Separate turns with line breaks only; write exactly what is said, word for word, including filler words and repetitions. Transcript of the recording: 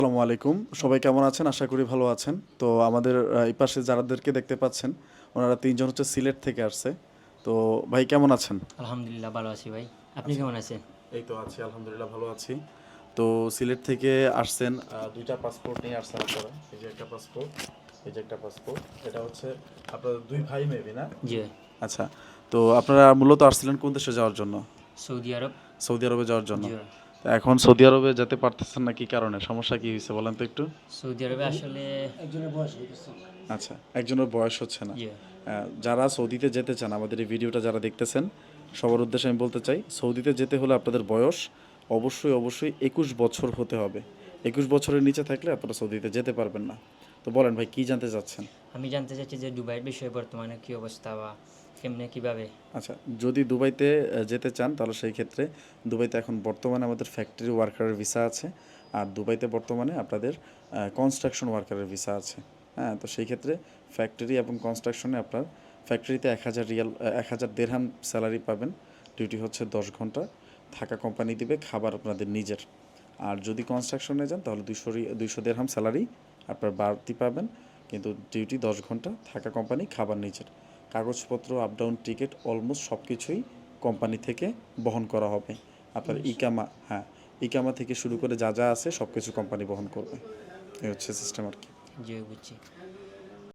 আসসালামু আলাইকুম। সবাই কেমন আছেন? আশা করি ভালো আছেন। তো আমাদের আ এই পাশে যারাদেরকে দেখতে পাচ্ছেন, ওনারা তিন জন হচ্ছে সিলেট থেকে আসছে। তো ভাই কেমন আছেন?
আলহামদুলিল্লাহ ভালো আছি ভাই। আপনি
আচ্ছা।
কেমন আছেন?
এই তো আছি আলহামদুলিল্লাহ ভালো আছি। তো সিলেট থেকে আসছেন আ দুই টা পাসপোর্ট নিয়ে আসছেন আপনারা। এই যে একটা পাসপোর্ট, এই যে একটা পাসপোর্ট। এটা হচ্ছে আপনাদের দুই ভাই মেবি না?
জি ভাই।
আচ্ছা। তো আপনারা মূলত আসছিলেন কোন দেশে যাওয়ার জন্য?
সৌদি আরব।
সৌদি আরবে যাওয়ার জন্য।
জি ভাই।
তো এখন সৌদি আরবে যেতে পারতেছেন না কি কারণে? সমস্যা কি হইছে বলেন তো একটু?
সৌদি আরবে আসলে
আচ্ছা, একজনের বয়স হচ্ছে না।
জি ভাই।
আ যারা সৌদিতে যেতে চান, আমাদের এই ভিডিওটা যারা দেখতেছেন, সবার উদ্দেশ্যে আমি বলতে চাই, সৌদিতে যেতে হলে আপনাদের বয়স অবশ্যই, অবশ্যই একুশ বছর হতে হবে। একুশ বছরের নিচে থাকলে আপনারা সৌদিতে যেতে পারবেন না। তো বলেন ভাই কি জানতে চাচ্ছেন?
আমি জানতে চাচ্ছি যে দুবাইয়ের বিষয়ে বর্তমানে কী অবস্থা বা কেমনে কীভাবে?
আচ্ছা, যদি দুবাইতে আ যেতে চান তাহলে সেই ক্ষেত্রে দুবাইতে এখন বর্তমানে আমাদের ফ্যাক্টরি ওয়ার্কারের ভিসা আছে। আর দুবাইতে বর্তমানে আপনাদের আ কনস্ট্রাকশন ওয়ার্কারের ভিসা আছে। হ্যাঁ? তো সেই ক্ষেত্রে ফ্যাক্টরি এবং কনস্ট্রাকশনে আপনার ফ্যাক্টরিতে এক হাজার রিয়াল আ এক হাজার দিরহাম স্যালারি পাবেন। ডিউটি হচ্ছে দশ ঘন্টা। থাকা কোম্পানি দিবে, খাবার আপনাদের নিজের। আর যদি কনস্ট্রাকশনে যান তাহলে দুইশো রি দুইশো দিরহাম স্যালারি আপনার বাড়তি পাবেন। কিন্তু ডিউটি দশ ঘন্টা, থাকা কোম্পানি, খাবার নিজের। কাগজপত্র, আপ ডাউন টিকিট অলমোস্ট সব কিছুই কোম্পানি থেকে বহন করা হবে। আপনার ইকামা হ্যাঁ, ইকামা থেকে শুরু করে যা যা আছে সব কিছু কোম্পানি বহন করবে। এই হচ্ছে সিস্টেম আর কি।
জি বুঝছি।